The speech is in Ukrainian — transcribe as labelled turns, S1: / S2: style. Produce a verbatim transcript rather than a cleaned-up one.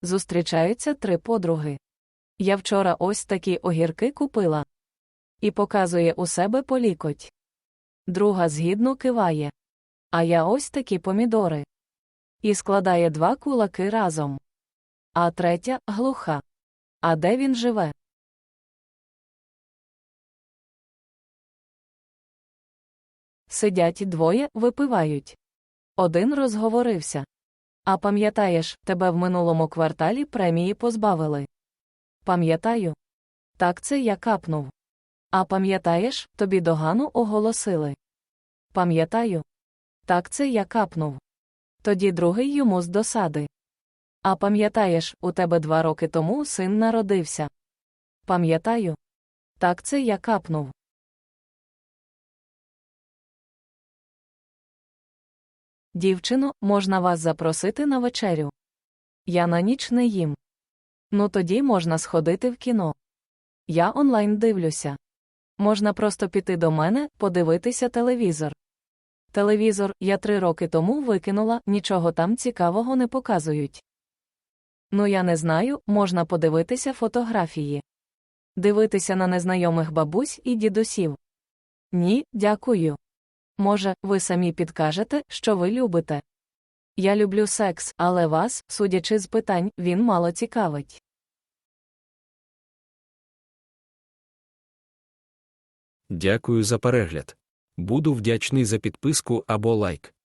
S1: Зустрічаються три подруги. Я вчора ось такі огірки купила. І показує у себе по лікоть. Друга згідно киває. А я ось такі помідори. І складає два кулаки разом. А третя глуха. А де він живе? Сидять двоє, випивають. Один розговорився. А пам'ятаєш, тебе в минулому кварталі премії позбавили? Пам'ятаю. Так це я капнув. А пам'ятаєш, тобі догану оголосили? Пам'ятаю. Так це я капнув. Тоді другий йому з досади. А пам'ятаєш, у тебе два роки тому син народився? Пам'ятаю. Так це я капнув. Дівчино, можна вас запросити на вечерю? Я на ніч не їм. Ну тоді можна сходити в кіно. Я онлайн дивлюся. Можна просто піти до мене, подивитися телевізор. Телевізор я три роки тому викинула, нічого там цікавого не показують. Ну я не знаю, можна подивитися фотографії. Дивитися на незнайомих бабусь і дідусів. Ні, дякую. Може, ви самі підкажете, що ви любите? Я люблю секс, але вас, судячи з питань, він мало цікавить.
S2: Дякую за перегляд. Буду вдячний за підписку або лайк.